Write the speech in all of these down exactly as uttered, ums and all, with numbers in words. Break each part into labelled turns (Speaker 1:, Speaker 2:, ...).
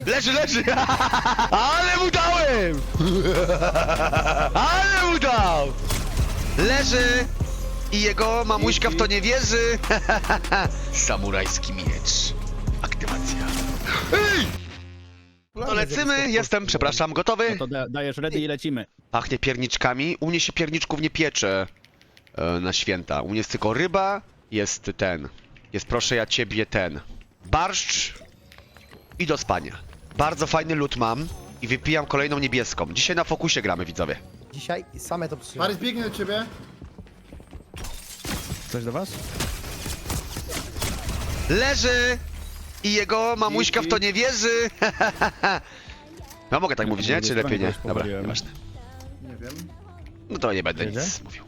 Speaker 1: Leży, leży! Ale mu dałem! Ale mu dał! Leży! I jego mamuśka w to nie wierzy! Samurajski miecz. Aktywacja. Ej! To lecimy, jestem, przepraszam, gotowy?
Speaker 2: No to da, dajesz ready i lecimy.
Speaker 1: Pachnie pierniczkami. U mnie się pierniczków nie piecze e, na święta. U mnie jest tylko ryba, jest ten. Jest proszę ja ciebie ten. Barszcz i do spania. Bardzo fajny lód mam i wypijam kolejną niebieską. Dzisiaj na fokusie gramy, widzowie.
Speaker 3: Dzisiaj same to przyjmę.
Speaker 4: Paris biegnie do ciebie.
Speaker 2: Coś do was?
Speaker 1: Leży i jego mamuśka w to nie wierzy. No mogę tak mówić, nie? Czy lepiej nie? Dobra, nieważne.
Speaker 4: Nie wiem.
Speaker 1: No to nie będę
Speaker 2: Jedzie?
Speaker 1: nic mówił.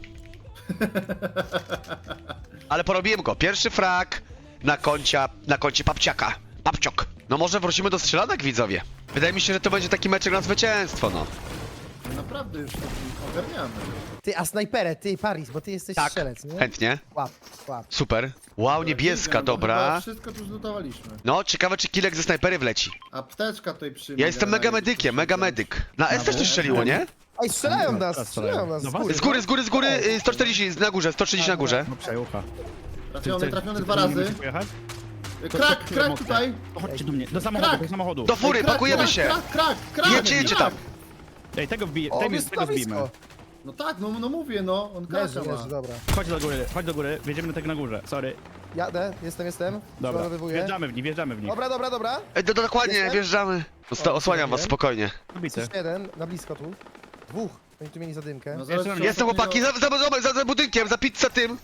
Speaker 1: Ale porobiłem go. Pierwszy frag na koncie, na koncie papciaka. Papciok. No może wrócimy do strzelanek, widzowie. Wydaje mi się, że to będzie taki meczek na zwycięstwo, no.
Speaker 4: Naprawdę już to ogarniamy.
Speaker 3: Ty, a snajperę, ty, Paris, bo ty jesteś
Speaker 1: Tak,
Speaker 3: strzelec, nie?
Speaker 1: chętnie.
Speaker 3: Łap, łap.
Speaker 1: Super. Wow, niebieska,
Speaker 4: Biegam, bo chyba
Speaker 1: dobra.
Speaker 4: Wszystko tu zlutowaliśmy.
Speaker 1: No, ciekawe czy kilek ze snajpery wleci.
Speaker 4: Apteczka tutaj przyjmie.
Speaker 1: Ja jestem mega medykiem, mega medyk. Na S też coś strzeliło, nie?
Speaker 3: Ej, strzelają
Speaker 2: No,
Speaker 3: nas,
Speaker 2: teraz
Speaker 3: strzelają nas z
Speaker 2: strzelają.
Speaker 3: góry.
Speaker 1: Z góry, z góry, z góry, y, sto czterdzieści na górze, sto trzydzieści na górze.
Speaker 2: No przejucha.
Speaker 4: Trafiony, trafiony dwa
Speaker 2: Nie
Speaker 4: razy.
Speaker 2: musisz pojechać? To-
Speaker 4: Krak,
Speaker 2: to- to
Speaker 4: krak
Speaker 2: mocno.
Speaker 4: tutaj.
Speaker 2: To chodźcie do mnie, do samochodu,
Speaker 4: Krak!
Speaker 2: do samochodu.
Speaker 1: Do fury,
Speaker 4: Krak,
Speaker 1: pakujemy
Speaker 4: krak,
Speaker 1: się.
Speaker 4: Krak, krak, krak.
Speaker 1: Jedźcie, jedźcie tam.
Speaker 2: Ej, tego wbij,
Speaker 3: O,
Speaker 2: tego,
Speaker 3: jest
Speaker 2: tego
Speaker 3: na
Speaker 2: zbijmy.
Speaker 3: blisko.
Speaker 4: No tak, no, no mówię, no. On
Speaker 3: Leży,
Speaker 4: kraka ma.
Speaker 3: leży, dobra.
Speaker 2: Chodź do góry, chodź do góry, wjedziemy do tego na górze, sorry.
Speaker 3: Jadę, jestem, jestem.
Speaker 2: Dobra,
Speaker 3: Przeładowywuję.
Speaker 2: wjeżdżamy w nich, wjeżdżamy w nich.
Speaker 3: Dobra, dobra, dobra.
Speaker 1: E, do, dokładnie,
Speaker 3: Jestem?
Speaker 1: wjeżdżamy. Osta- Osłaniam was, spokojnie.
Speaker 2: Bity.
Speaker 3: Jest jeden, na blisko tu. Dwóch. Oni tu mieli zadymkę.
Speaker 4: No zaraz
Speaker 2: Jestem-
Speaker 4: się
Speaker 1: Jestem
Speaker 4: ostatnio-
Speaker 1: chłopaki, za, za, za, za, za budynkiem, za pizzę tym.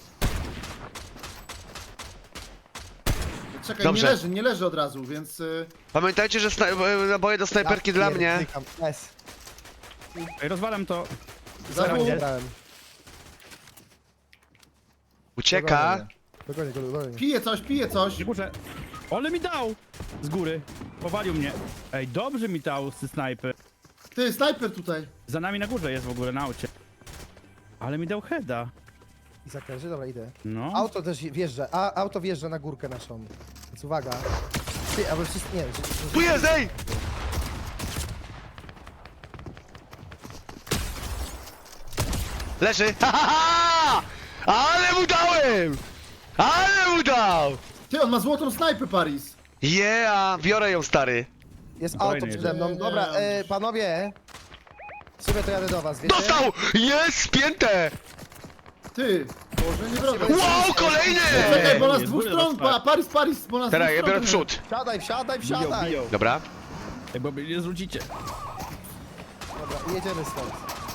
Speaker 4: Czekaj,
Speaker 1: Dobrze.
Speaker 4: nie leży, nie leży od razu, więc... y,
Speaker 1: Pamiętajcie, że sna- e, naboje do snajperki
Speaker 3: Ja
Speaker 1: dla mnie.
Speaker 3: pierdykam. S.
Speaker 2: Ej, rozwalam to.
Speaker 4: Za
Speaker 2: Zaraz
Speaker 4: dwóch.
Speaker 2: idzie.
Speaker 3: Brałem.
Speaker 1: Ucieka.
Speaker 3: Dogonię go, dogonię.
Speaker 4: Pije coś, pije coś.
Speaker 2: Nie muszę. Ale mi dał! Z góry. Powalił mnie. Ej, dobrze mi dał z snajpy.
Speaker 4: Ty, snajper tutaj.
Speaker 2: Za nami na górze jest w ogóle, na aucie. Ale mi dał heada.
Speaker 3: I zakręży, dobra, idę.
Speaker 2: No.
Speaker 3: Auto też wjeżdża, a auto wjeżdża na górkę naszą. Więc uwaga. Ty, albo wszyscy, nie wiem, że- że-
Speaker 1: Tu jest, ej! Leży. Ha, ha, ha! Ale mu dałem! Ale mu dał!
Speaker 4: Ty, on ma złotą snajpę, Paris.
Speaker 1: Yeah, biorę ją, stary.
Speaker 3: Jest
Speaker 2: Kolejny
Speaker 3: auto przede
Speaker 2: jedzie.
Speaker 3: mną. Dobra, e, panowie. Sobie to jadę do was, wiecie?
Speaker 1: Dostał! Jest, spięte!
Speaker 4: Ty, Boże, nie wroga.
Speaker 1: Wow, kolejny!
Speaker 4: Czekaj, bo nas z
Speaker 2: Nie,
Speaker 4: dwóch
Speaker 2: góry
Speaker 4: stron,
Speaker 2: rozpad.
Speaker 4: pa, Paris, Paris, bo nas z
Speaker 1: Teraz
Speaker 4: dwóch
Speaker 1: ja biorę w
Speaker 4: stron-
Speaker 1: przód.
Speaker 3: Wsiadaj, wsiadaj,
Speaker 2: Biją,
Speaker 3: wsiadaj.
Speaker 2: biją.
Speaker 1: Dobra.
Speaker 2: Ej, bo mnie nie zrzucicie.
Speaker 3: Dobra, jedziemy stąd.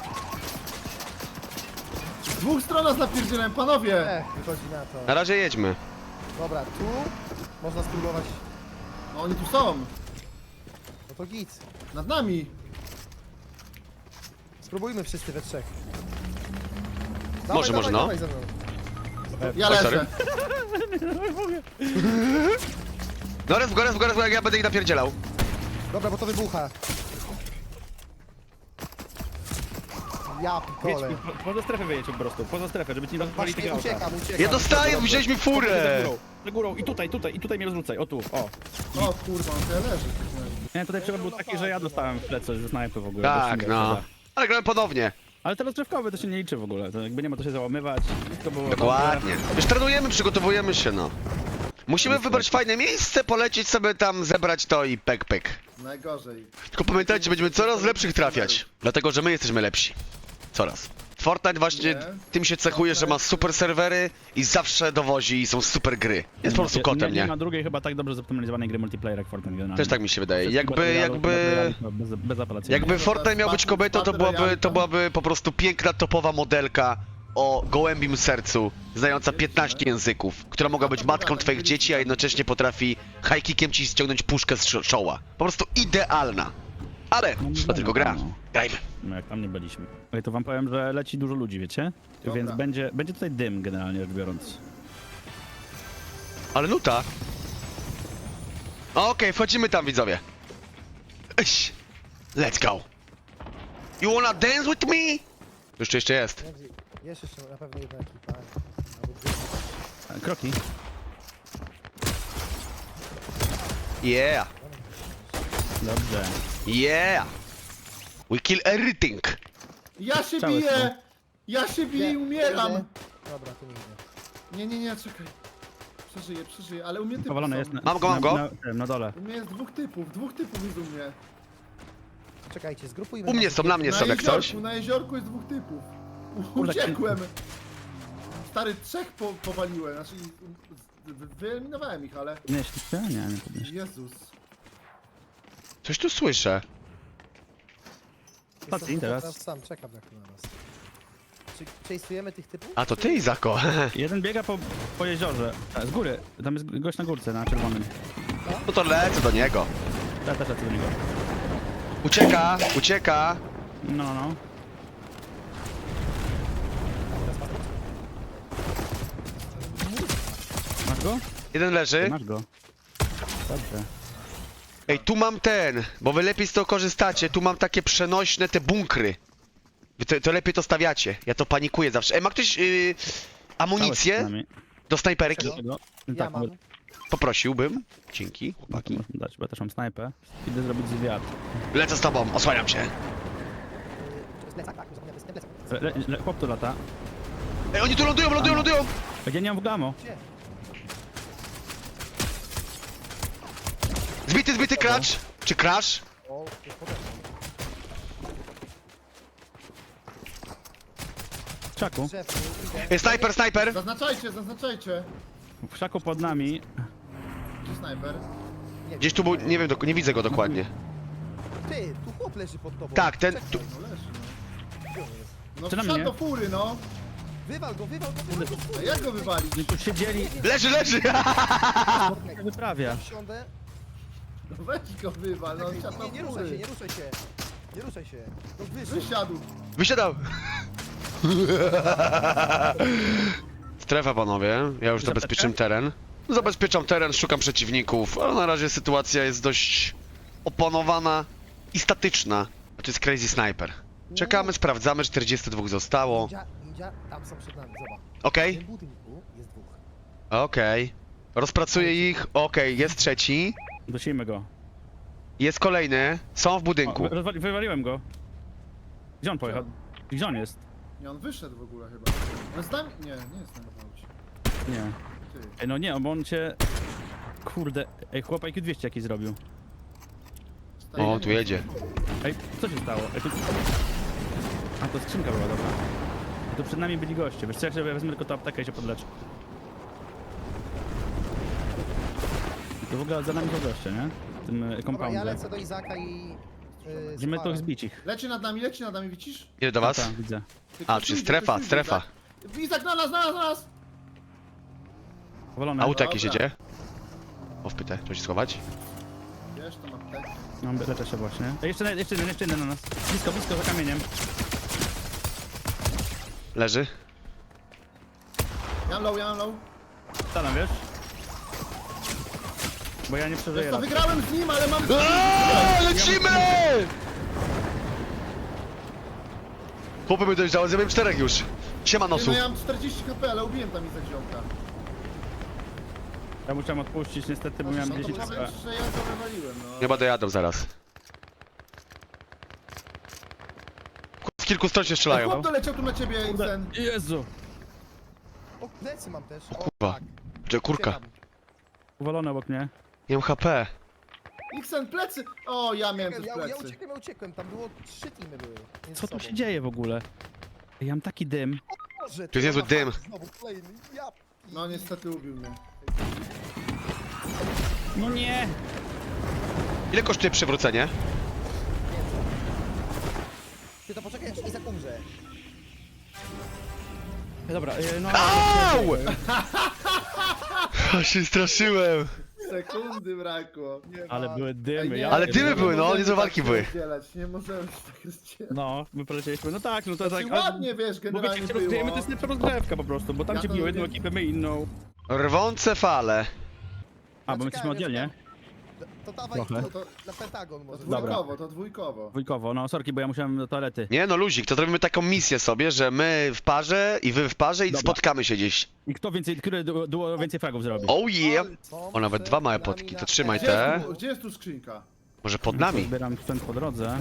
Speaker 4: Z dwóch stron nas napierdzielałem, panowie.
Speaker 3: Ech, wychodzi na to.
Speaker 1: Na razie jedźmy.
Speaker 3: Dobra, tu można spróbować.
Speaker 4: No oni tu są,
Speaker 3: No to git.
Speaker 4: nad nami.
Speaker 3: Spróbujmy wszyscy we trzech.
Speaker 1: Może, może, no.
Speaker 3: Dawaj ze mną.
Speaker 4: Ja
Speaker 1: Oj,
Speaker 4: leżę.
Speaker 1: No raz w górę, w górę, w górę, ja będę ich napierdzielał.
Speaker 3: Dobra, bo to wybucha. Ja
Speaker 2: Jedź,
Speaker 3: pitole.
Speaker 2: po, poza strefę wyjedź po prostu, poza strefę, żeby ci nie rozwali
Speaker 3: Właśnie
Speaker 2: tego auta.
Speaker 3: uciekam, uciekam.
Speaker 1: Ja dostaję, wziąłeś mi
Speaker 2: Za
Speaker 1: furę!
Speaker 2: górą, za górą i tutaj, tutaj, i tutaj mnie rozrzucaj, o tu, o.
Speaker 4: O kurwa, on tutaj leży.
Speaker 2: Nie, tutaj przykład był taki, że ja dostałem w plecy ze snajpy w ogóle.
Speaker 1: Tak,
Speaker 2: bez
Speaker 1: no.
Speaker 2: single
Speaker 1: Ale gramy ponownie.
Speaker 2: Ale te rozgrzewkowe to się nie liczy w ogóle, to jakby nie ma to się załamywać, wszystko było
Speaker 1: Dokładnie. Już trenujemy, przygotowujemy się, no. Musimy wybrać fajne miejsce, polecieć sobie tam, zebrać to i pek pek.
Speaker 4: Najgorzej.
Speaker 1: Tylko pamiętajcie, będziemy coraz lepszych trafiać. Dlatego, że my jesteśmy lepsi. Coraz. Fortnite właśnie
Speaker 4: Nie.
Speaker 1: tym się cechuje, że ma super serwery i zawsze dowozi i są super gry. Jest po prostu kotem,
Speaker 2: nie? Nie
Speaker 1: nie?
Speaker 2: ma drugiej chyba tak dobrze zoptymalizowanej gry multiplayer jak Fortnite generalnie.
Speaker 1: Też tak mi się wydaje.
Speaker 2: Wszystko
Speaker 1: Jakby,
Speaker 2: battle royale,
Speaker 1: jakby...
Speaker 2: battle royale chyba Bez, bez apelacji.
Speaker 1: Jakby Fortnite miał być kobietą, to byłaby, to byłaby po prostu piękna, topowa modelka o gołębim sercu, znająca piętnaście języków, która mogła być matką twoich dzieci, a jednocześnie potrafi high kickiem ci ściągnąć puszkę z czo- czoła. Po prostu idealna. Ale to tylko gra. Grajmy.
Speaker 2: No jak tam nie byliśmy. Ej, to wam powiem, że leci dużo ludzi, wiecie?
Speaker 4: Dobra.
Speaker 2: Więc będzie, będzie tutaj dym generalnie rzecz biorąc.
Speaker 1: Ale nuta. Okej, wchodzimy tam, widzowie. Iś. Let's go. You wanna dance with me? Jeszcze jeszcze jest.
Speaker 3: Jest jeszcze na pewno jedna ekipa. Albo dwie.
Speaker 2: E, Kroki.
Speaker 1: Yeah.
Speaker 2: Dobrze.
Speaker 1: Yeah! We kill everything!
Speaker 4: Ja się
Speaker 2: Całe
Speaker 4: biję!
Speaker 2: są.
Speaker 4: Ja się biję i
Speaker 3: Nie,
Speaker 4: umieram!
Speaker 3: nie. Dobra, tu nie idę.
Speaker 4: Nie, nie, nie, czekaj. Przeżyję, przeżyję, ale u mnie typów
Speaker 2: Powalony
Speaker 4: są.
Speaker 2: jest na,
Speaker 1: Mam go, mam
Speaker 2: na,
Speaker 1: go.
Speaker 2: Na, tym, na dole.
Speaker 4: U mnie jest dwóch typów, dwóch typów jest u mnie.
Speaker 3: Czekajcie, zgrupujmy.
Speaker 1: U mnie
Speaker 3: nas.
Speaker 1: są, na mnie
Speaker 4: Na
Speaker 1: są jak coś.
Speaker 4: jeziorku, na jeziorku jest dwóch typów. U-
Speaker 2: Kurde,
Speaker 4: Uciekłem! Stary, trzech po, powaliłem, znaczy wy- wyeliminowałem ich, ale...
Speaker 2: Podnieśliście? Nie, nie podnieśli.
Speaker 4: Jezus.
Speaker 1: Coś tu słyszę.
Speaker 3: Jestem
Speaker 2: Patrz, teraz.
Speaker 3: teraz sam, czekam jak tu na nas. Czy chase'ujemy tych typów?
Speaker 1: A to ty, Izako.
Speaker 2: Jeden biega po, po jeziorze. A, z góry. Tam jest gość na górce, na czerwonym.
Speaker 1: No to lecę do niego.
Speaker 2: Ja też lecę do niego.
Speaker 1: Ucieka, ucieka.
Speaker 2: No, no. Masz go?
Speaker 1: Jeden leży.
Speaker 2: Masz go. Dobrze.
Speaker 1: Ej, tu mam ten, bo wy lepiej z tego korzystacie. Tu mam takie przenośne te bunkry. Wy to, to lepiej to stawiacie. Ja to panikuję zawsze. Ej, ma ktoś yy, amunicję do snajperki?
Speaker 2: No,
Speaker 3: Ja
Speaker 2: tak,
Speaker 3: mam.
Speaker 2: może-
Speaker 1: Poprosiłbym. Dzięki,
Speaker 2: no to
Speaker 1: chłopaki.
Speaker 2: można dać, bo ja też mam snajpę. Idę zrobić zwiat.
Speaker 1: Lecę z tobą, osłaniam się.
Speaker 3: Yy, to jest plecak, tak, zapomniałem, to jest ten plecak.
Speaker 2: Le, le, chłop tu lata.
Speaker 1: Ej, oni tu lądują, lądują, lądują!
Speaker 2: Ja nie mam w gamo.
Speaker 3: Gdzie?
Speaker 1: Zbity, zbity kracz! Czy crash?
Speaker 3: O, jest potem.
Speaker 2: W krzaku.
Speaker 3: Drzewo, idę.
Speaker 1: Ej, snajper, snajper!
Speaker 4: Zaznaczajcie, zaznaczajcie.
Speaker 2: W krzaku pod nami.
Speaker 4: Gdzie snajper?
Speaker 3: Nie,
Speaker 1: Gdzieś tu był, nie wiem, dok- nie widzę go dokładnie.
Speaker 3: Ty, tu chłop leży pod tobą.
Speaker 1: Tak, ten-
Speaker 3: Czekaj,
Speaker 1: tu-
Speaker 4: No leży, no.
Speaker 3: gdzie on jest?
Speaker 4: No
Speaker 2: Czy na
Speaker 4: wsiadł
Speaker 2: mnie?
Speaker 4: do fury, no.
Speaker 3: Wywal go, wywal go, wywal go.
Speaker 4: A jak go wywalić?
Speaker 2: Oni tu siedzieli.
Speaker 1: Leży, leży!
Speaker 2: Nie wyprawia.
Speaker 3: Wsiądę.
Speaker 4: No weź go wywal, no
Speaker 3: Czekaj,
Speaker 4: wsiadł
Speaker 3: nie, nie
Speaker 4: do
Speaker 3: ruszaj się,
Speaker 4: fury.
Speaker 3: nie ruszaj się. Nie ruszaj się. No wyszedł.
Speaker 4: Wysiadł.
Speaker 1: Wysiadał! Strefa, panowie. Ja już zabezpieczam teren. Zabezpieczam teren, szukam przeciwników, ale na razie sytuacja jest dość opanowana i statyczna. A to jest Crazy Sniper. Czekamy, sprawdzamy, czterdzieści dwa zostało.
Speaker 3: Ninja, ninja, tam są przed nami, zobacz. W
Speaker 1: Okej,
Speaker 3: tym budynku jest dwóch.
Speaker 1: okej. Rozpracuję ich. Okej, jest trzeci.
Speaker 2: Dusimy go.
Speaker 1: Jest kolejny. Są w
Speaker 2: O,
Speaker 1: budynku.
Speaker 2: wy- rozwali- wywaliłem go. Gdzie on pojechał? Gdzie on jest?
Speaker 4: Nie, on wyszedł w ogóle chyba. No z nami... Nie, nie jest na aucie.
Speaker 2: Nie.
Speaker 4: Ty.
Speaker 2: Ej, no nie, bo on cię... Kurde. Ej, chłop I Q dwieście jakiś zrobił.
Speaker 4: Stary,
Speaker 1: O, tu jedzie.
Speaker 2: Ej, co się stało? Ej, tu... A, to skrzynka była, dobra. Tu przed nami byli goście. Wiesz co, jak sobie wezmę tylko tę aptekę i się podleczę. I to w ogóle za nami są goście, nie? W tym e,
Speaker 3: Dobra, ja
Speaker 2: compoundzie.
Speaker 3: lecę do Izaka i... Yy,
Speaker 2: Będziemy tu
Speaker 3: Suchara.
Speaker 2: zbić ich.
Speaker 4: Leci nad nami, leci nad nami, widzisz?
Speaker 1: Idę do was.
Speaker 2: Tak, widzę.
Speaker 4: Ty,
Speaker 1: A,
Speaker 4: ktoś
Speaker 1: tu jest
Speaker 4: idzie,
Speaker 1: strefa,
Speaker 4: ktoś idzie,
Speaker 1: strefa.
Speaker 4: Izak. Izak na nas, na nas, na nas!
Speaker 2: Powalone.
Speaker 1: Auto jakieś
Speaker 4: Dobra.
Speaker 1: jedzie. O, wpytę, to się schować.
Speaker 4: Wiesz, to mam tak.
Speaker 2: No, leczę się właśnie. Ej, jeszcze, jeszcze jeden, jeszcze jeden na nas. Blisko, blisko, za kamieniem.
Speaker 1: Leży.
Speaker 4: Ja mam low, ja mam low.
Speaker 2: Staram, wiesz? Bo ja nie przeżyję
Speaker 4: Wiesz co,
Speaker 2: raz.
Speaker 4: wygrałem z nim, ale mam...
Speaker 1: Aaaa, lecimy! Chłopy by dojrzały, zrobiłem czterech już. Siema
Speaker 4: Ty,
Speaker 1: nosu.
Speaker 4: no ja mam czterdzieści H P, ale ubiłem tam Izak ziomka.
Speaker 2: Ja musiałem odpuścić niestety, bo
Speaker 4: No
Speaker 2: miałem
Speaker 4: to
Speaker 2: dziesięć
Speaker 4: powiem,
Speaker 2: HP.
Speaker 4: że ja to wywaliłem, no.
Speaker 1: Chyba dojadą zaraz. Z kilku stron się strzelają.
Speaker 4: Chłop doleciał tu na ciebie, ten.
Speaker 2: Jezu!
Speaker 3: O, plecy mam też. O,
Speaker 1: kurwa.
Speaker 3: tak.
Speaker 1: Czy kurka?
Speaker 3: Uciekam.
Speaker 2: Uwalony obok mnie.
Speaker 1: Nie mam H P.
Speaker 4: Xen, plecy! O, ja miałem też
Speaker 3: Ja, ja
Speaker 4: plecy.
Speaker 3: uciekłem, ja uciekłem, tam było trzy teamy były. między
Speaker 2: Co tu
Speaker 3: sobą.
Speaker 2: się dzieje w ogóle? Ej, ja mam taki dym.
Speaker 3: Boże,
Speaker 1: Tu jest niezły
Speaker 3: dobra,
Speaker 1: dym.
Speaker 3: Znowu kolejny, ja...
Speaker 4: No niestety ubił mnie.
Speaker 2: No nie!
Speaker 1: Ile kosztuje przywrócenie?
Speaker 3: Ty to poczekaj, aż Izak umrze.
Speaker 2: Dobra, e, no...
Speaker 1: Au! Ja się straszyłem.
Speaker 4: Sekundy brakło. Nie
Speaker 2: Ale
Speaker 4: ma.
Speaker 2: były dymy,
Speaker 4: Ej, nie,
Speaker 2: ja
Speaker 1: Ale dymy
Speaker 2: pierdolę.
Speaker 1: były, no,
Speaker 4: możemy
Speaker 1: niezłe
Speaker 4: tak
Speaker 1: walki
Speaker 4: się
Speaker 1: były.
Speaker 4: rozdzielać, Nie możemy się tak rozdzielać.
Speaker 2: No, my polecieliśmy. No tak, no to tak.
Speaker 4: Znaczy,
Speaker 2: ale-
Speaker 4: ładnie, wiesz,
Speaker 2: Bo
Speaker 4: generalnie
Speaker 2: wiecie,
Speaker 4: było.
Speaker 2: rozgrajemy, to jest lepsza rozgrywka po prostu, bo tam
Speaker 4: Ja
Speaker 2: cię
Speaker 4: to
Speaker 2: biło
Speaker 4: lubię.
Speaker 2: jedną ekipę, my inną.
Speaker 1: Rwące fale.
Speaker 2: A, bo my
Speaker 3: czekałem,
Speaker 2: jesteśmy oddzielnie.
Speaker 3: ja To dawaj
Speaker 2: Trochę.
Speaker 3: to, to, na Pentagon
Speaker 4: To
Speaker 3: może.
Speaker 4: dwójkowo, to dwójkowo.
Speaker 2: Dwójkowo, no sorki, bo ja musiałem do toalety.
Speaker 1: Nie no, luzik, to zrobimy taką misję sobie, że my w parze i wy w parze i
Speaker 2: Dobra.
Speaker 1: spotkamy się gdzieś.
Speaker 2: I kto więcej, który du- duo więcej fragów zrobi?
Speaker 1: Oh yeah!
Speaker 3: Są
Speaker 1: O, nawet
Speaker 3: przed
Speaker 1: dwa małe
Speaker 3: nami
Speaker 1: potki,
Speaker 3: na
Speaker 1: to trzymaj
Speaker 4: Gdzie
Speaker 1: te.
Speaker 4: jest, tu, gdzie jest tu skrzynka?
Speaker 1: Może pod nami?
Speaker 2: Zbieram sprzęt po drodze.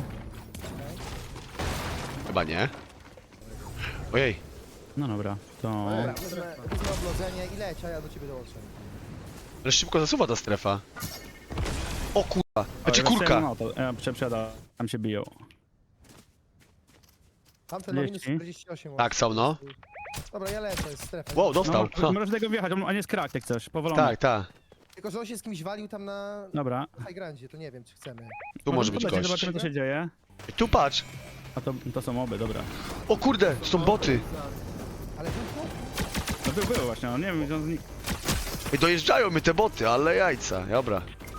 Speaker 1: Chyba nie. Ojej.
Speaker 2: No dobra, to...
Speaker 3: Dobra, wezmę, wezmę oblodzenie i leć, a ja do ciebie dołączę.
Speaker 1: Ale szybko zasuwa ta strefa. O kurwa. Znaczy
Speaker 2: O, ja
Speaker 1: kurka.
Speaker 2: rozstrzeliłem auto. Ja przeprzeda, tam się biją.
Speaker 3: Tamten ma minus
Speaker 2: trzydzieści.
Speaker 3: czterdzieści osiem.
Speaker 1: Tak, są no.
Speaker 3: Dobra, ja lecę, jest strefa.
Speaker 1: Wow, dostał.
Speaker 2: No, możesz do tego wjechać, on- on jest krak, jak chcesz, powolony.
Speaker 1: Tak, tak.
Speaker 3: Tylko, że on się z kimś walił tam na
Speaker 2: Dobra.
Speaker 3: High Grandzie, to nie wiem, czy chcemy.
Speaker 1: Tu może być
Speaker 2: podlecieć,
Speaker 1: gość.
Speaker 2: Zobaczymy, co się dzieje.
Speaker 1: Tu patrz.
Speaker 2: A to, to są oby, dobra.
Speaker 1: O kurde, to są boty.
Speaker 3: Ale tylko?
Speaker 2: No był, był właśnie, no nie wiem, gdzie on znikł.
Speaker 1: I dojeżdżają mi te boty, ale jajca. Dobra.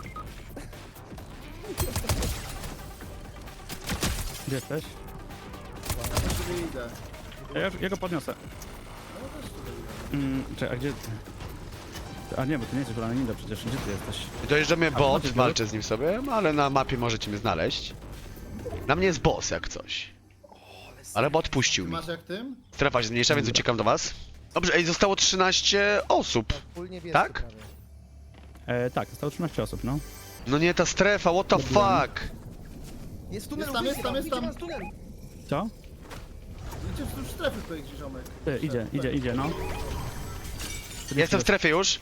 Speaker 2: Gdzie jesteś?
Speaker 4: Ja do ciebie idę.
Speaker 2: Ja, ja go podniosę. Mm, czekaj, a gdzie... A nie, bo ty nie jesteś Ninja przecież, gdzie ty jesteś?
Speaker 1: I dojeżdża mnie bot,
Speaker 2: boty
Speaker 1: walczę z nim sobie, ale na mapie możecie mnie znaleźć. Na mnie jest boss jak coś. Ale bot puścił mi.
Speaker 4: Masz jak tym?
Speaker 1: Strefa się zmniejsza, więc uciekam do was. Dobrze, ej, zostało trzynaście osób.
Speaker 3: Full niebieski
Speaker 1: Tak?
Speaker 3: prawie.
Speaker 2: E, tak, zostało trzynaście osób, no.
Speaker 1: No nie, ta strefa, what the fuck?
Speaker 3: Jest tunel,
Speaker 4: Jest tam, jest tam, jest tam.
Speaker 3: Jest tunel.
Speaker 2: Co?
Speaker 4: Idzie w strefy tutaj gdzieś, ziomek.
Speaker 2: Ty, idzie, idzie, idzie, no.
Speaker 1: Jestem w strefie już.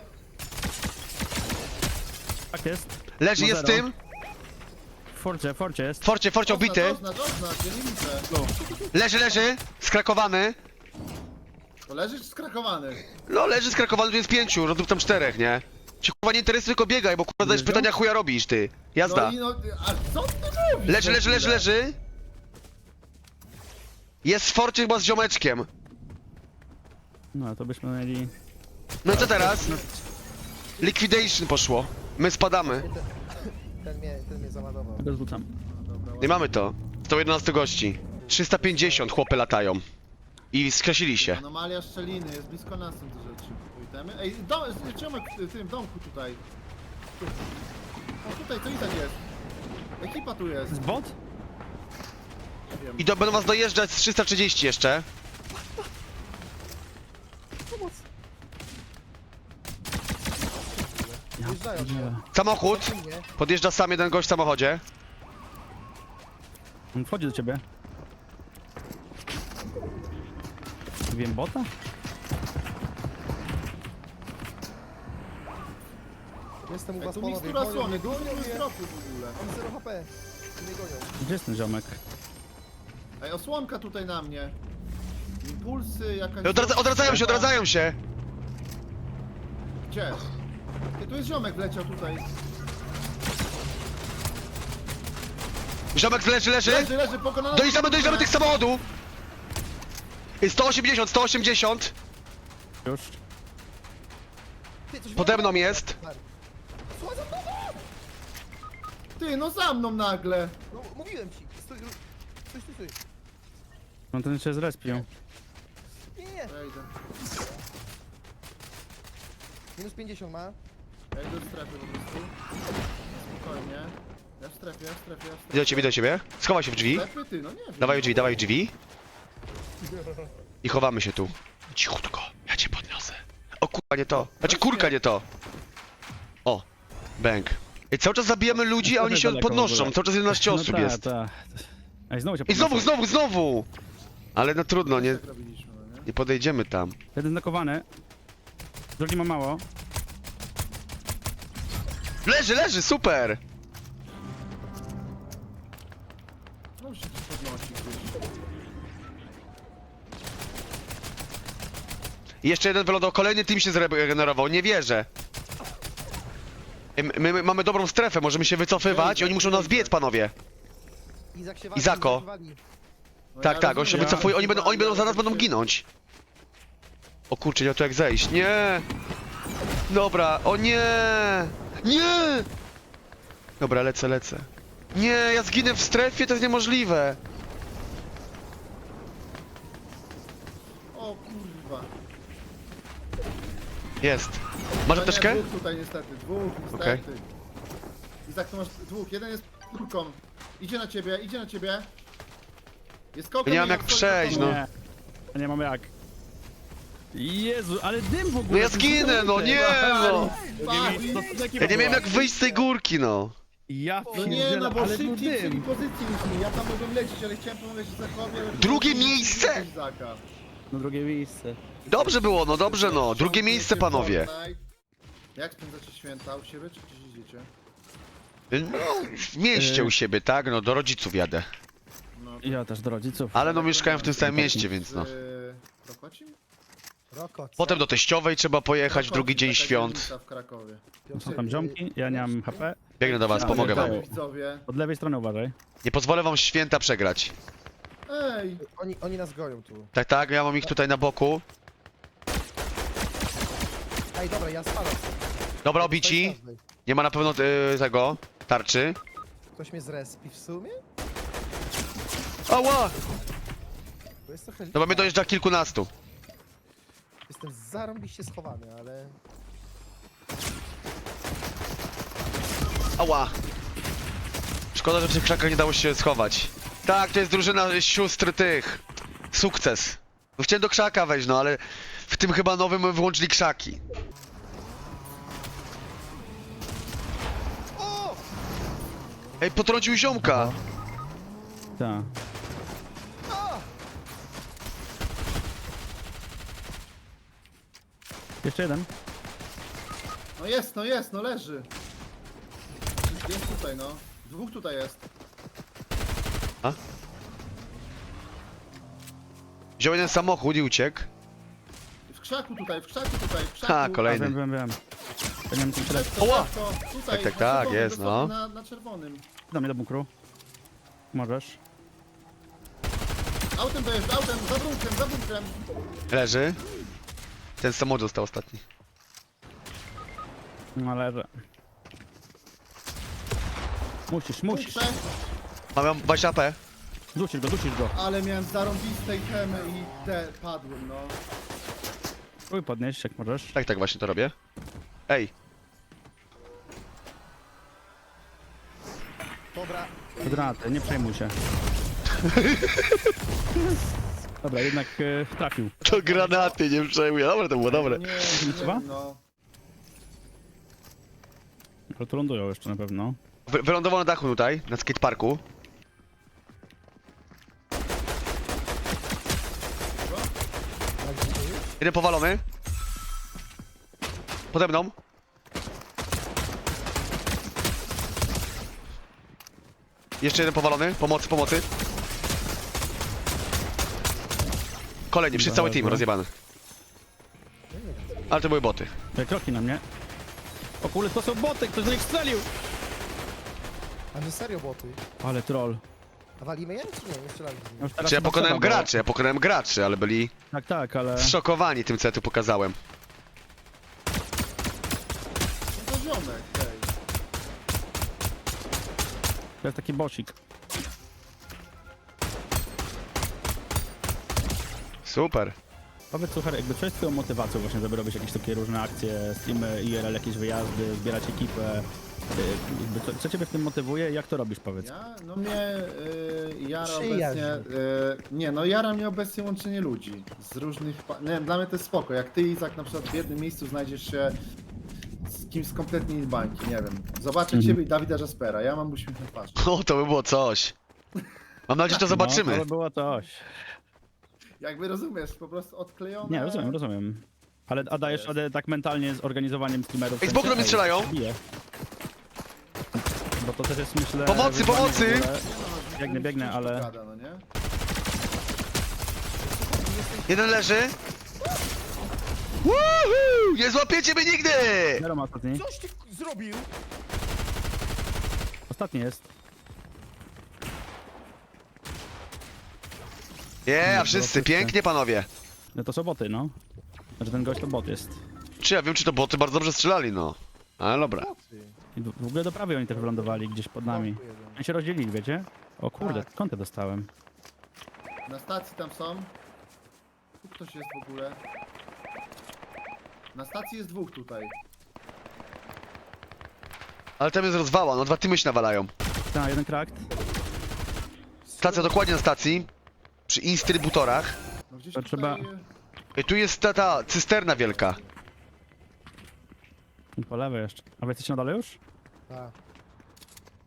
Speaker 2: Tak jest.
Speaker 1: Leży,
Speaker 2: No
Speaker 1: jest
Speaker 2: zero.
Speaker 1: tym.
Speaker 2: W forcie, w forcie jest.
Speaker 1: Forcie, forcie obity.
Speaker 4: Oznacz, oznacz, ja nie widzę.
Speaker 1: Leży, leży. Skrakowany.
Speaker 4: To leżysz skrakowany.
Speaker 1: No, leży skrakowany, tu jest pięciu, no tu tam czterech, nie? Ci kurwa nie interesuje, tylko biegaj, bo kurwa zadajesz
Speaker 2: Leżą?
Speaker 1: pytania, chuja robisz, ty. Jazda.
Speaker 4: No i no, a co ty robisz?
Speaker 1: Leży, leży, leży, leży. Jest w forcie chyba z ziomeczkiem.
Speaker 2: No, to byśmy mieli...
Speaker 1: No i co teraz? Liquidation poszło. My spadamy.
Speaker 3: Ten mnie, ten mnie załadował.
Speaker 2: Ja go zrzucam.
Speaker 1: Nie mamy to. sto jedenaście gości. trzysta pięćdziesiąt chłopy latają. I skresili się.
Speaker 4: Anomalia szczeliny, jest blisko nas są te rzeczy. Pójdziemy. Ej, dom, ziomek w tym domku tutaj. Tu. O tutaj, to i tak jest. Ekipa tu jest.
Speaker 2: Z bot?
Speaker 4: Nie wiem.
Speaker 1: I do, będą was dojeżdżać z trzysta trzydzieści jeszcze.
Speaker 2: Ja
Speaker 3: Wjeżdżają
Speaker 2: pierdzielę.
Speaker 1: Samochód.
Speaker 3: Nie.
Speaker 1: Podjeżdża sam jeden gość w samochodzie.
Speaker 2: On wchodzi do ciebie. Wiem bota?
Speaker 3: Jestem u
Speaker 4: Ej,
Speaker 3: was
Speaker 4: tu
Speaker 3: panowie.
Speaker 4: mikstura
Speaker 3: Gonią
Speaker 4: słony,
Speaker 3: mnie,
Speaker 4: dużo
Speaker 3: gonią mnie.
Speaker 4: zdropu w ogóle.
Speaker 3: Mam zero H P. Nie gonią.
Speaker 2: Gdzie jest ten ziomek?
Speaker 4: Ej, osłonka tutaj na mnie. Impulsy, jakaś...
Speaker 1: Odradza, odradzają się, odradzają się.
Speaker 4: Gdzie? Ty, tu jest ziomek wleciał tutaj.
Speaker 1: Ziomek leży, leży.
Speaker 4: Leży, leży, pokonany.
Speaker 1: Dojeżdżamy, dojeżdżamy tych samochodów. Jest sto osiemdziesiąt, sto osiemdziesiąt.
Speaker 2: Już.
Speaker 3: Ty, coś
Speaker 1: Pode mną
Speaker 3: wyładował.
Speaker 1: jest.
Speaker 3: Słuchaj, za mną!
Speaker 4: Ty, no za mną nagle.
Speaker 3: No, mówiłem ci. Stój, stój, stój, stój.
Speaker 2: No ten się zrespił.
Speaker 3: Nie, nie.
Speaker 4: Wejdę.
Speaker 3: Minus pięćdziesiąt ma.
Speaker 4: Ja idę do strefy po prostu. Spokojnie. Ja w strefie, ja w strefie, ja w strefie.
Speaker 1: Idę do ciebie, idę do ciebie. Schowaj się w drzwi.
Speaker 4: Strefy, ty, no nie wiem.
Speaker 1: Dawaj w drzwi, dawaj w drzwi. I chowamy się tu. Cichutko, ja cię podniosę. O kurwa, nie to. Znaczy kurka, nie to. O, bang. I cały czas zabijamy ludzi, a oni się
Speaker 2: Daleko w
Speaker 1: podnoszą.
Speaker 2: ogóle.
Speaker 1: Cały czas jedenaście
Speaker 2: No
Speaker 1: osób
Speaker 2: ta,
Speaker 1: jest.
Speaker 2: ta. Ej, znowu się
Speaker 1: I znowu,
Speaker 2: podniosą.
Speaker 1: znowu, znowu! Ale no trudno, nie,
Speaker 4: Tak robiliśmy, no nie?
Speaker 1: nie podejdziemy tam.
Speaker 2: Jeden znakowany. Drugi ma mało.
Speaker 1: Leży, leży, super!
Speaker 4: No się gdzieś podnosi gdzieś.
Speaker 1: I jeszcze jeden wylądował, kolejny team się zregenerował, nie wierzę. Ej, My, my mamy dobrą strefę, możemy się wycofywać i oni muszą nas biec, panowie.
Speaker 3: Izak się wali,
Speaker 1: Izako.
Speaker 3: Izak się wali.
Speaker 4: No
Speaker 1: Tak,
Speaker 4: ja
Speaker 1: tak, on się
Speaker 4: rozumiem,
Speaker 1: wycofuje,
Speaker 4: ja
Speaker 1: oni będą, oni będą zaraz będą
Speaker 4: się-
Speaker 1: ginąć. O kurczę, nie ma tu jak zejść, nie! Dobra, o nie! Nie! Dobra, lecę, lecę. Nie, ja zginę w strefie, to jest niemożliwe.
Speaker 4: O kurwa.
Speaker 1: Jest. Masz
Speaker 4: No nie,
Speaker 1: apteczkę?
Speaker 4: Dwóch tutaj niestety, dwóch niestety.
Speaker 1: Okej.
Speaker 4: Izak, to masz dwóch, jeden jest kulką. Idzie na ciebie, idzie na ciebie. Jest kołkiem.
Speaker 1: Ja nie mam
Speaker 4: i
Speaker 1: jak
Speaker 4: wchodzi
Speaker 1: przejść,
Speaker 4: za
Speaker 1: no.
Speaker 4: tobą.
Speaker 2: Nie. Ja nie mam jak. Jezu, ale dym w ogóle.
Speaker 1: No ja
Speaker 2: ten
Speaker 1: zginę, no
Speaker 2: dym.
Speaker 1: nie, no.
Speaker 4: Pali.
Speaker 2: To taki
Speaker 1: Ja nie
Speaker 2: była.
Speaker 1: miałem jak wyjść z tej górki, no.
Speaker 2: Ja
Speaker 4: No nie,
Speaker 2: pierdzielę,
Speaker 4: no bo
Speaker 2: ale
Speaker 4: szybciej
Speaker 2: był
Speaker 4: chcieli
Speaker 2: dym.
Speaker 4: pozycji niż mi. Ja tam mogłem lecieć, ale chciałem pomagać Zachowi, ale...
Speaker 1: Drugie miejsce!
Speaker 4: Zaka.
Speaker 2: No drugie miejsce.
Speaker 1: Dobrze było, no dobrze no. Drugie miejsce, panowie.
Speaker 4: Jak spędzacie święta? U siebie czy gdzieś idziecie?
Speaker 1: No, w mieście u siebie, tak? No, do rodziców jadę.
Speaker 4: No,
Speaker 2: Ja też do rodziców.
Speaker 1: Ale no mieszkałem w tym samym mieście, więc no.
Speaker 4: Z Prokocim?
Speaker 3: Roko, co?
Speaker 1: Potem do teściowej trzeba pojechać w drugi dzień
Speaker 4: Taka
Speaker 1: świąt.
Speaker 4: dzielnica w Krakowie.
Speaker 2: Są tam ziomki, ja nie mam H P.
Speaker 1: Biegnę do was,
Speaker 2: Ja
Speaker 1: pomogę wam.
Speaker 2: pierdolę.
Speaker 4: Widzowie.
Speaker 2: Od lewej strony uważaj.
Speaker 1: Nie pozwolę wam święta przegrać.
Speaker 4: Ej!
Speaker 3: Oni, oni nas goją tu.
Speaker 1: Tak, tak, ja mam ich tutaj na boku.
Speaker 3: Ej, dobra, ja spadam.
Speaker 1: Dobra, obici. Nie ma na pewno y, tego, tarczy.
Speaker 3: Ktoś mnie zrespi w sumie?
Speaker 1: Ała!
Speaker 3: To jest trochę...
Speaker 1: Dobra, mnie dojeżdża kilkunastu.
Speaker 3: Jestem zarąbiście schowany, ale...
Speaker 1: Ała! Szkoda, że w tych krzakach nie dało się schować. Tak, to jest drużyna sióstr tych. Sukces. No chciałem do krzaka wejść, no ale w tym chyba nowym wyłączyli krzaki.
Speaker 3: O!
Speaker 1: Ej, potrącił ziomka!
Speaker 2: Tak.
Speaker 3: A!
Speaker 2: Jeszcze jeden.
Speaker 4: No jest, no jest, no leży. Jest tutaj, no. Dwóch tutaj jest.
Speaker 1: Wziął jeden samochód i uciekł.
Speaker 4: W krzaku tutaj, w krzaku tutaj, w krzaku.
Speaker 1: Ha,
Speaker 2: A,
Speaker 1: kolejny.
Speaker 2: wiem, wiem, wiem. Ja nie wiem, co śledzi.
Speaker 4: To,
Speaker 1: Oła!
Speaker 4: to, tutaj,
Speaker 1: Tak, tak,
Speaker 4: na
Speaker 1: tak,
Speaker 4: czerwonym,
Speaker 1: jest,
Speaker 4: dosłownie
Speaker 1: no.
Speaker 4: Na, na czerwonym.
Speaker 2: Do mnie do bunkru. Możesz.
Speaker 4: Autem dojeżdża, autem, za bunkrem, za bunkrem.
Speaker 1: Leży. Ten samochód został ostatni.
Speaker 2: No leży. Musisz, musisz.
Speaker 4: Bunkrze,
Speaker 1: Mam dwadzieścia A P.
Speaker 2: Dusisz go, dusisz go.
Speaker 4: ale miałem zarąbistej temy i te padłem, no.
Speaker 2: Próbuj podnieść, jak możesz.
Speaker 1: Tak, tak właśnie to robię. Ej,
Speaker 3: Dobra,
Speaker 2: Granaty, nie przejmuj się. Dobra, jednak e, trafił.
Speaker 1: to granaty, nie przejmuję. Dobre to było, dobre.
Speaker 4: Nie,
Speaker 2: Chyba?
Speaker 4: nie, no.
Speaker 2: Ale tu lądują jeszcze na pewno.
Speaker 1: Wy wylądował na dachu tutaj, na skateparku.
Speaker 3: jak gdzie jest?
Speaker 1: Jeden powalony. Pode mną. Jeszcze jeden powalony. Pomocy, pomocy. Kolejny, wszyscy cały team rozjebany. Ale to były boty.
Speaker 2: Ej, kroki na mnie. O kurde, to są boty, ktoś do nich strzelił!
Speaker 3: A że serio boty?
Speaker 2: Ale troll.
Speaker 3: A walimy je? Czy nie? Nie strzelali z nimi.
Speaker 2: Już teraz
Speaker 1: Znaczy ja
Speaker 2: chyba
Speaker 1: pokonałem
Speaker 2: trzeba, bo-
Speaker 1: graczy, ja pokonałem graczy, ale byli
Speaker 2: Tak, tak, ale...
Speaker 1: zszokowani tym, co ja tu pokazałem.
Speaker 4: No to ziomek, ej.
Speaker 2: To jest taki bosik.
Speaker 1: Super.
Speaker 2: Powiedz, słuchaj, jakby co jest twoją motywacją właśnie, żeby robić jakieś takie różne akcje, streamy, I R L, jakieś wyjazdy, zbierać ekipę? Y, jakby co, co ciebie w tym motywuje i jak to robisz, powiedz?
Speaker 4: Ja, no mnie y, jara
Speaker 3: Przyjaźń.
Speaker 4: obecnie, y, nie no jara mnie obecnie łączenie ludzi z różnych, pa- nie dla mnie to jest spoko, jak ty Izak na przykład w jednym miejscu znajdziesz się z kimś z kompletnie innej bańki, nie wiem, zobaczę
Speaker 2: Mhm.
Speaker 4: ciebie i Dawida Jaspera, ja mam uśmiech na twarzy.
Speaker 1: O, to by było coś. Mam nadzieję, że to
Speaker 2: No,
Speaker 1: zobaczymy.
Speaker 2: to było coś.
Speaker 4: Jakby rozumiesz, po prostu odklejone.
Speaker 2: Nie, rozumiem, rozumiem. Ale a dajesz radę tak mentalnie z organizowaniem streamerów?
Speaker 1: Ej, z boku do mnie
Speaker 2: Ej,
Speaker 1: strzelają.
Speaker 2: biję. Bo to też jest, myślę...
Speaker 1: Pomocy,
Speaker 2: wyzwanie
Speaker 1: pomocy!
Speaker 2: w ogóle. Biegnę, biegnę,
Speaker 4: Ciężko
Speaker 2: ale...
Speaker 4: Gada, no nie?
Speaker 1: Jeden leży. Woohoo! Nie złapiecie mnie nigdy!
Speaker 2: Zero ma ostatni.
Speaker 3: Coś ty zrobił?
Speaker 2: Ostatni jest.
Speaker 1: Nie, a
Speaker 2: No,
Speaker 1: wszyscy,
Speaker 2: wszyscy.
Speaker 1: pięknie panowie.
Speaker 2: No to są boty, no. Znaczy ten gość to bot jest.
Speaker 1: Czy ja wiem, czy to boty bardzo dobrze strzelali, no. Ale dobra.
Speaker 3: Boty.
Speaker 2: I w w ogóle do prawej oni też wylądowali gdzieś pod nami.
Speaker 3: Boty jeden.
Speaker 2: Oni się rozdzielili, wiecie? O kurde,
Speaker 3: Tak.
Speaker 2: skąd ja dostałem?
Speaker 4: Na stacji tam są. Tu ktoś jest w ogóle. Na stacji jest dwóch tutaj.
Speaker 1: Ale tam jest rozwała, no dwa tymy się nawalają.
Speaker 2: Tak, jeden krakt.
Speaker 1: Stacja dokładnie na stacji. Przy instrybutorach.
Speaker 4: No gdzieś
Speaker 2: To
Speaker 4: tutaj...
Speaker 2: trzeba-
Speaker 1: I tu jest ta, ta cysterna wielka.
Speaker 2: Po lewej jeszcze. A wy jesteście na dole już?
Speaker 3: A,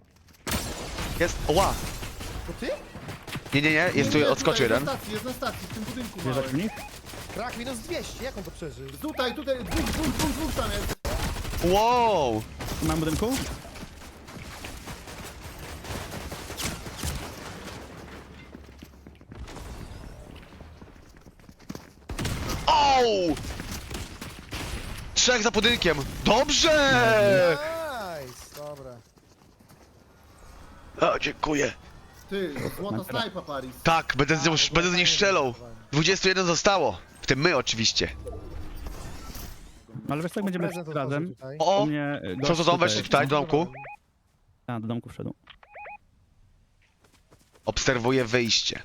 Speaker 1: Jest, ła!
Speaker 3: To ty?
Speaker 1: Nie, nie, nie, jest tu, odskoczył jeden.
Speaker 4: Jest na stacji, jest na stacji, w tym budynku
Speaker 2: Wjeżdżać w
Speaker 4: małym.
Speaker 2: nich?
Speaker 3: Krak minus dwieście, jak on to przeżył?
Speaker 4: Tutaj, tutaj, dwóch, dwóch, dwóch, dwóch tam jest.
Speaker 1: Wow!
Speaker 2: Mam budynku?
Speaker 1: Ouu! Trzech za budynkiem. Dobrze!
Speaker 3: Nice, dobra.
Speaker 1: O, dziękuję.
Speaker 4: Ty, złota snajpa Paris.
Speaker 1: Tak, będę z, nią,
Speaker 3: A,
Speaker 1: będę z nich strzelał. dwadzieścia jeden zostało. W tym my oczywiście.
Speaker 2: No, ale wiesz co, jak będziemy
Speaker 3: Prezent
Speaker 2: wszyscy razem.
Speaker 3: otworzył tutaj.
Speaker 1: O!
Speaker 2: U mnie y,
Speaker 1: Co
Speaker 2: gość
Speaker 1: to tam weszli tutaj do domku?
Speaker 2: A, do domku wszedł.
Speaker 1: Obserwuję wyjście.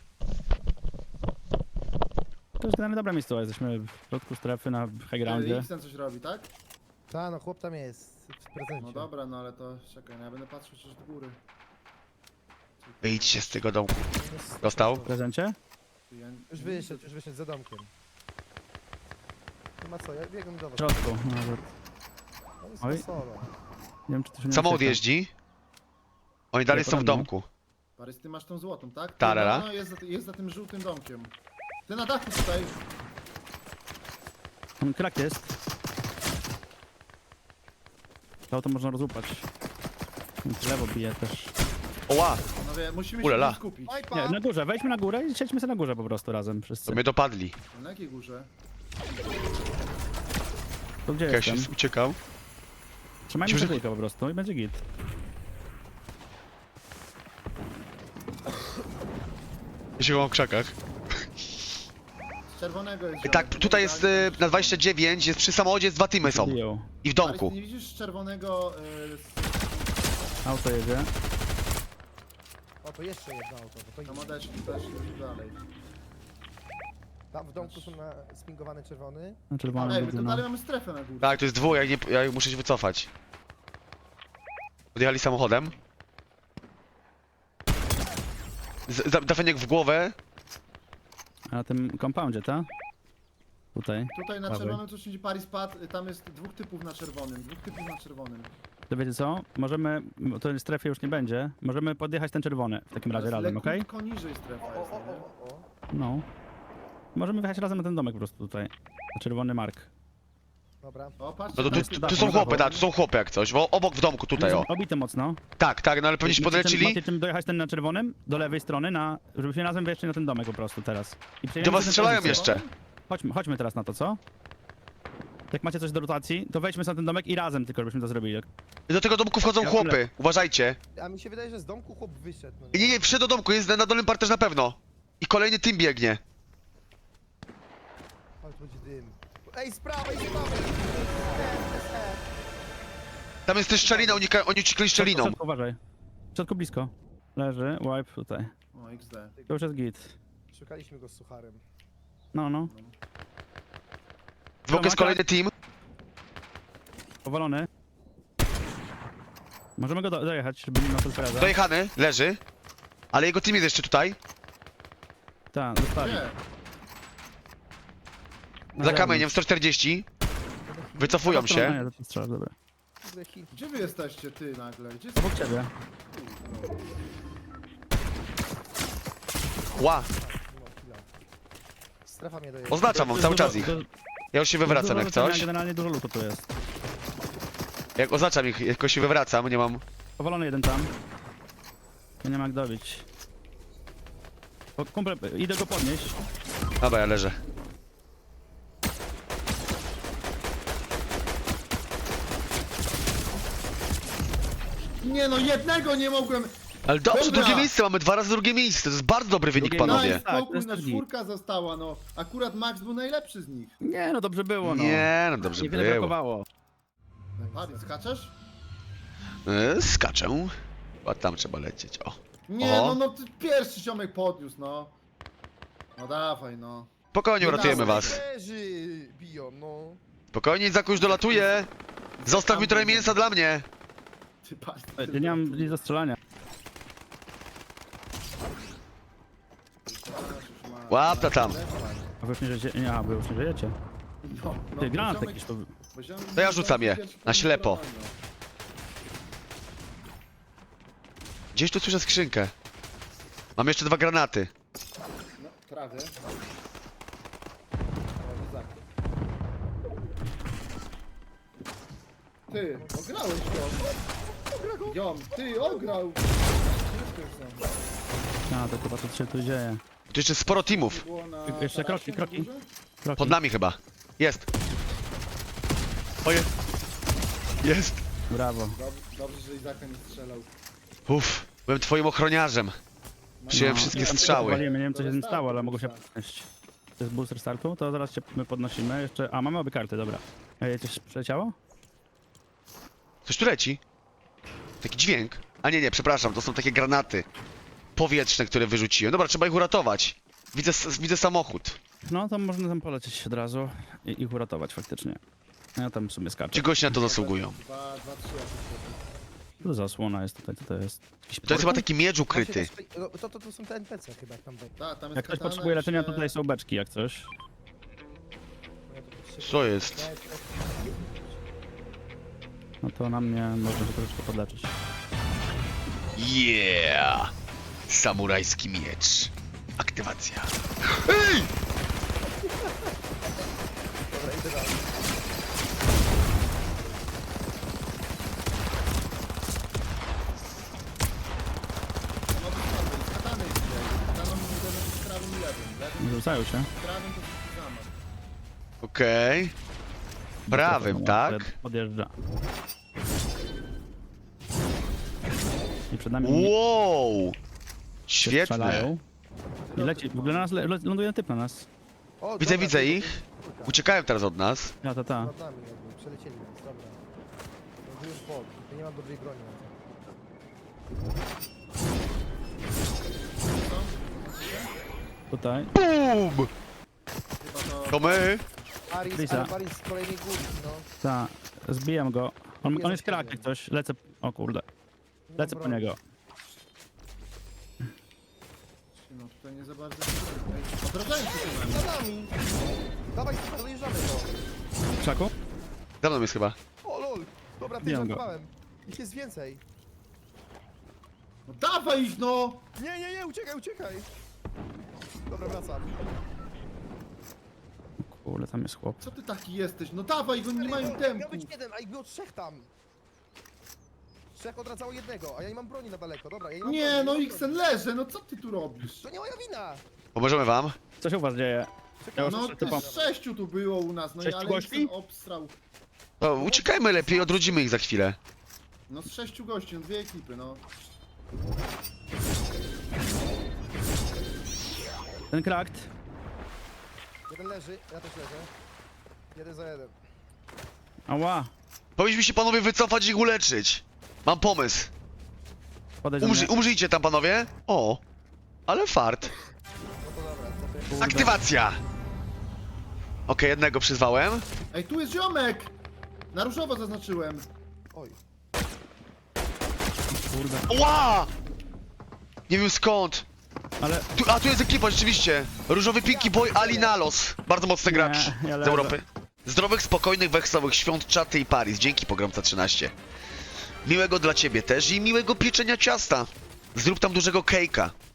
Speaker 2: To jest generalnie dobra miejscowa, jesteśmy w środku strefy na high
Speaker 4: Ty,
Speaker 2: groundzie.
Speaker 4: X ten coś robi, tak?
Speaker 3: Ta, no chłop tam jest w prezencie.
Speaker 4: No dobra, no ale to czekaj, no ja będę patrzył przecież do góry.
Speaker 1: Wyjdźcie z tego domku.
Speaker 3: Jest-
Speaker 1: Dostał?
Speaker 2: W prezencie?
Speaker 4: Ty, ja-
Speaker 3: Już wyszedł, już wyszedł za domkiem. Nie ma co, ja biegam do
Speaker 2: W
Speaker 3: was.
Speaker 2: środku, nawet.
Speaker 3: On jest
Speaker 2: Oj.
Speaker 3: na solo.
Speaker 2: Nie wiem, czy to się nie
Speaker 1: Samochód
Speaker 2: ucieka.
Speaker 1: jeździ. Oni dalej są w domku.
Speaker 4: Parys, ty masz tą złotą, tak? Ty,
Speaker 1: Tarara.
Speaker 4: No, no, jest, za, jest za tym żółtym domkiem. Ty na dachu tutaj.
Speaker 2: Tam krak jest. To auto można rozłupać. W lewo bije też.
Speaker 1: Oła!
Speaker 4: Panowie, musimy
Speaker 1: Ulala.
Speaker 4: się skupić.
Speaker 3: Oj,
Speaker 2: Nie, na górze, wejdźmy na górę i siedźmy sobie na górze po prostu razem wszyscy.
Speaker 1: To mnie dopadli.
Speaker 4: Na jakiej górze?
Speaker 2: To gdzie jestem?
Speaker 1: Cassius uciekał.
Speaker 2: Trzymajmy
Speaker 1: Musimy-
Speaker 2: się tylko po prostu i będzie git.
Speaker 1: Ja się go mam w krzakach.
Speaker 4: Z czerwonego jest
Speaker 1: I tak,
Speaker 4: ziomek.
Speaker 1: tutaj jest y, na dwadzieścia dziewięć, jest przy samochodzie, jest dwa teamy są.
Speaker 2: Biją.
Speaker 1: I w
Speaker 4: Parys,
Speaker 1: domku.
Speaker 4: ty nie widzisz z czerwonego... Y,
Speaker 2: Auto jedzie.
Speaker 3: O, to jeszcze jedno auto, bo to
Speaker 4: tam
Speaker 3: idzie.
Speaker 4: odeszli, też już dalej.
Speaker 3: Tam w domku są na spingowany czerwony.
Speaker 2: Na czerwonym
Speaker 4: Ej, my
Speaker 2: widzę,
Speaker 4: to
Speaker 2: no.
Speaker 4: dalej mamy strefę na górze.
Speaker 1: Tak, to jest dwóch, ja, nie, ja muszę się wycofać. Podjechali samochodem. Z- za- Dafeniek w głowę.
Speaker 2: A na tym compoundzie, ta? Tutaj.
Speaker 4: Tutaj na
Speaker 2: Prawej.
Speaker 4: czerwonym coś idzie Paris pad, tam jest dwóch typów na czerwonym, dwóch typów na czerwonym.
Speaker 2: To wiecie co? Możemy, bo to w strefie już nie będzie, możemy podjechać ten czerwony w takim razie razem, okej?
Speaker 4: Lekko niżej strefa
Speaker 3: O,
Speaker 4: jest,
Speaker 3: o,
Speaker 4: nie?
Speaker 3: o, o.
Speaker 2: No. Możemy wyjechać razem na ten domek po prostu tutaj. Na czerwony mark.
Speaker 3: Dobra.
Speaker 4: O, patrz,
Speaker 1: No to
Speaker 2: Tam
Speaker 1: tu,
Speaker 2: jest
Speaker 1: tu
Speaker 2: dach,
Speaker 1: są
Speaker 2: na
Speaker 1: chłopy,
Speaker 2: dachu.
Speaker 1: tak, tu są chłopy jak coś, bo obok w domku tutaj, o.
Speaker 2: Obity mocno.
Speaker 1: Tak, tak, no ale pewnie się
Speaker 2: Macie czym-
Speaker 1: podlecili.
Speaker 2: Macie czym dojechać ten na czerwonym, do lewej strony, na, żebyśmy razem weszli na ten domek po prostu teraz. I przejmiemy
Speaker 1: Do was
Speaker 2: tę
Speaker 1: strzelają
Speaker 2: pozycję.
Speaker 1: jeszcze.
Speaker 2: Chodźmy, chodźmy teraz na to, co? Jak macie coś do rotacji, to wejdźmy na ten domek i razem tylko, żebyśmy to zrobili.
Speaker 1: Do tego domku wchodzą
Speaker 2: Ja
Speaker 1: chłopy, uważajcie.
Speaker 3: A mi się wydaje, że z domku chłop wyszedł. No
Speaker 1: I nie, nie, wszedł do domku, jest na, na dolnym parterze na pewno. I kolejny team biegnie.
Speaker 3: Ale tu będzie dym. Ej, z prawej, z prawej!
Speaker 1: Tam jest też szczelina, oni, ka- oni uciekli
Speaker 2: W
Speaker 1: szczeliną.
Speaker 2: środku, uważaj. W środku blisko. Leży, wipe tutaj.
Speaker 4: O, X D.
Speaker 2: To już jest git.
Speaker 3: Szukaliśmy go z sucharem.
Speaker 2: No, no.
Speaker 1: W boku jest kolejny team.
Speaker 2: Powalony. Możemy go do, dojechać, żeby nie ma surpreza.
Speaker 1: Dojechany, leży. Ale jego team jest jeszcze tutaj.
Speaker 2: Tak, dostali.
Speaker 4: Nie,
Speaker 2: Na
Speaker 1: Za
Speaker 2: zewnątrz.
Speaker 1: kamieniem sto czterdzieści. Wycofują
Speaker 2: No,
Speaker 1: się.
Speaker 2: Nie, to strzelasz, dobra.
Speaker 3: Kurde, hit.
Speaker 4: gdzie wy jesteście, ty nagle? Gdzie jest...
Speaker 2: Obok ciebie.
Speaker 1: Ła,
Speaker 3: Nie mam killa. Strefa mnie dojeżdża.
Speaker 1: oznaczam wam cały czas ich.
Speaker 2: Du-
Speaker 1: Ja już się
Speaker 2: dużo
Speaker 1: wywracam jak
Speaker 2: lutania,
Speaker 1: coś.
Speaker 2: Generalnie dużo lutu tu jest.
Speaker 1: Jak oznaczam ich, jakoś się wywracam, nie mam...
Speaker 2: Powalony jeden tam. Ja nie ma jak dobić. O, kumple, idę go podnieść.
Speaker 1: Dobra, ja leżę.
Speaker 4: Nie no, jednego nie mogłem!
Speaker 1: Ale dobrze,
Speaker 4: Dobra.
Speaker 1: drugie miejsce, mamy dwa razy drugie miejsce, to jest bardzo dobry wynik,
Speaker 2: Drugie
Speaker 1: panowie.
Speaker 2: miejsce. Tak, to
Speaker 4: Spokój,
Speaker 2: jest
Speaker 4: no
Speaker 2: też git.
Speaker 4: czwórka została, no. Akurat Max był najlepszy z nich.
Speaker 2: Nie, no dobrze było, no.
Speaker 1: Nie, no dobrze
Speaker 2: Niewiele
Speaker 1: było.
Speaker 2: brakowało.
Speaker 4: Paris, skaczesz?
Speaker 1: E, Skaczę. A tam trzeba lecieć, o.
Speaker 4: Nie,
Speaker 1: Oho.
Speaker 4: no, no, ty pierwszy ziomek podniósł, no. No dawaj, no.
Speaker 1: Spokojnie,
Speaker 4: Nie
Speaker 1: uratujemy
Speaker 4: dawaj.
Speaker 1: was.
Speaker 3: Leży, biją, no.
Speaker 1: Spokojnie, Zaku już dolatuje. Zostaw mi trochę mięsa dla mnie.
Speaker 4: Ty Paris,
Speaker 2: Ja
Speaker 4: ty
Speaker 2: nie mam nic do strzelania.
Speaker 1: Łapta tam.
Speaker 2: A wy już nie żyjecie? Nie, a wy już nie żyjecie.
Speaker 4: No, no,
Speaker 2: Ty, granat
Speaker 4: ziomek-
Speaker 2: jakiś tu...
Speaker 4: bo ziomek-
Speaker 1: To ja rzucam je,
Speaker 4: pierwszy
Speaker 1: na ślepo.
Speaker 4: podniósł,
Speaker 1: Gdzieś tu słyszę skrzynkę. Mam jeszcze dwa granaty.
Speaker 4: No, prawie. Prawie tak. Ty, ograłeś go. Jom, ty, ograł.
Speaker 2: A, to chyba co się tu dzieje.
Speaker 1: Tu jeszcze sporo teamów.
Speaker 4: Było na
Speaker 2: Jeszcze
Speaker 4: tarasie
Speaker 2: kroki,
Speaker 4: na
Speaker 2: kroki.
Speaker 4: górze?
Speaker 2: Kroki.
Speaker 1: Pod nami chyba. Jest. Oje. Jest.
Speaker 2: Brawo.
Speaker 4: Dob- Dobrze, że Izaka nie strzelał.
Speaker 1: Uff, byłem twoim ochroniarzem. Przyjąłem wszystkie
Speaker 2: No, ja tam
Speaker 1: strzały.
Speaker 2: powaliłem, nie wiem co się z tym
Speaker 4: To
Speaker 2: stało, ale
Speaker 4: restartu
Speaker 2: mogło się
Speaker 4: boosta.
Speaker 2: podnieść. To jest booster startu, to zaraz się my podnosimy. Jeszcze. A, mamy obie karty, dobra. Ej, coś przeleciało?
Speaker 1: Coś tu leci. Taki dźwięk. A nie, nie, przepraszam, to są takie granaty powietrzne, które wyrzuciłem. Dobra, trzeba ich uratować. Widzę, s- widzę samochód.
Speaker 2: No to można tam polecieć od razu i ich uratować faktycznie. Ja tam w sumie skaczę.
Speaker 1: Ci goście na to zasługują.
Speaker 4: Dwa, dwa, trzy jakieś takie.
Speaker 2: Tu zasłona jest tutaj, co to jest? Jakiś
Speaker 1: To jest chyba
Speaker 2: portal?
Speaker 1: taki miecz ukryty.
Speaker 3: Właśnie też- no, To, to, to są te N P C chyba jak tam będzie.
Speaker 4: Ta, tam jest
Speaker 2: Jak ktoś
Speaker 4: katana,
Speaker 2: potrzebuje leczenia, to
Speaker 4: jeszcze-
Speaker 2: tutaj są beczki jak coś.
Speaker 3: Ja to potrzebuję.
Speaker 1: Co jest?
Speaker 3: Ja- ja-
Speaker 2: No to na mnie można się troszeczkę podleczyć.
Speaker 1: Yeah! Samurajski miecz. Aktywacja. Ej!
Speaker 3: Dobra, idę dalej.
Speaker 4: No, wypadł, z katany jest tutaj. Kataną może być prawym i lewym. Lewym,
Speaker 2: Rzucają się.
Speaker 4: prawym to jest zamach.
Speaker 1: Okej. Prawym, tak?
Speaker 2: Podjeżdża. I przed nami
Speaker 1: Wow!
Speaker 2: się
Speaker 1: Świetne.
Speaker 2: strzelają. I leci, w ogóle na nas le, le, ląduje typ na nas.
Speaker 3: O,
Speaker 1: Widzę,
Speaker 3: dobra,
Speaker 1: widzę
Speaker 3: to-
Speaker 1: ich.
Speaker 3: to-
Speaker 1: Uciekają teraz od nas.
Speaker 2: Ja, ta, ta.
Speaker 3: Nad nami jakby, przelecieli nas, dobra. No to już bok, to nie mam dobrej broni na to.
Speaker 2: Tutaj.
Speaker 1: BUM!
Speaker 4: Chyba to...
Speaker 1: To my.
Speaker 3: Paris,
Speaker 2: Lisa.
Speaker 3: ale Paris z kolejnej góry, no.
Speaker 2: Ta. Zbijam go. On,
Speaker 3: Nie
Speaker 2: on jest
Speaker 3: zastawiam.
Speaker 2: krak jak coś. Lecę. O kurde.
Speaker 3: Nie mam
Speaker 2: Lecę po
Speaker 3: broni.
Speaker 2: niego.
Speaker 4: No tutaj nie za bardzo... Ej, odrażają się tu na mnie.
Speaker 3: Za nami! Dawaj, dojeżdżamy to.
Speaker 2: W krzaku?
Speaker 1: Za mną jest chyba.
Speaker 3: O lol! Dobra, ty
Speaker 2: Bijam go.
Speaker 3: żartowałem. Ich jest więcej.
Speaker 4: No dawaj ich no!
Speaker 3: Nie, nie, nie, uciekaj, uciekaj! Dobra, wracam.
Speaker 2: Kurde, tam jest chłop.
Speaker 4: Co ty taki jesteś? No dawaj ich, oni nie mają
Speaker 3: Miał
Speaker 4: tempu.
Speaker 3: być jeden, a ich było trzech tam. Trzech odradzało jednego, a ja nie mam broni na daleko, dobra, ja nie mam
Speaker 4: Nie,
Speaker 3: broni,
Speaker 4: no
Speaker 3: nie mam
Speaker 4: Xen
Speaker 3: broni.
Speaker 4: leży, no co ty tu robisz?
Speaker 3: To nie moja wina!
Speaker 1: Pomożemy wam.
Speaker 2: Co się u was dzieje? Ja już
Speaker 4: No
Speaker 2: muszę typom...
Speaker 4: też sześciu tu było u nas, no i
Speaker 2: Sześciu
Speaker 4: ale
Speaker 2: gości?
Speaker 4: Xen obstrał.
Speaker 1: No, uciekajmy lepiej, odrodzimy ich za chwilę.
Speaker 4: No z sześciu gości, no dwie ekipy, no.
Speaker 2: Ten krakt.
Speaker 3: Jeden leży, ja też leżę. Jeden za jeden.
Speaker 2: Ała.
Speaker 1: Powinniśmy się panowie wycofać i ich uleczyć. Mam pomysł.
Speaker 2: Podejdź do
Speaker 1: Umrzyj,
Speaker 2: mnie.
Speaker 1: umrzyjcie tam panowie. O, ale fart.
Speaker 3: No to dobra, to ty...
Speaker 2: Kurde.
Speaker 1: Aktywacja! Okej, jednego przyzwałem.
Speaker 4: Ej, tu jest ziomek! Na różowo zaznaczyłem.
Speaker 3: Oj.
Speaker 2: Kurde.
Speaker 1: Ła! Nie wiem skąd.
Speaker 2: Ale...
Speaker 1: Tu, a tu jest ekipa, rzeczywiście. Różowy Pinky Boy Ali Nalos. Bardzo mocny gracz
Speaker 2: Nie, ja
Speaker 1: z
Speaker 2: leżę.
Speaker 1: Europy. Zdrowych, spokojnych, wesołych świąt Czaty i Paris. Dzięki Pogromca trzynaście. Miłego dla ciebie też i miłego pieczenia ciasta. Zrób tam dużego kejka.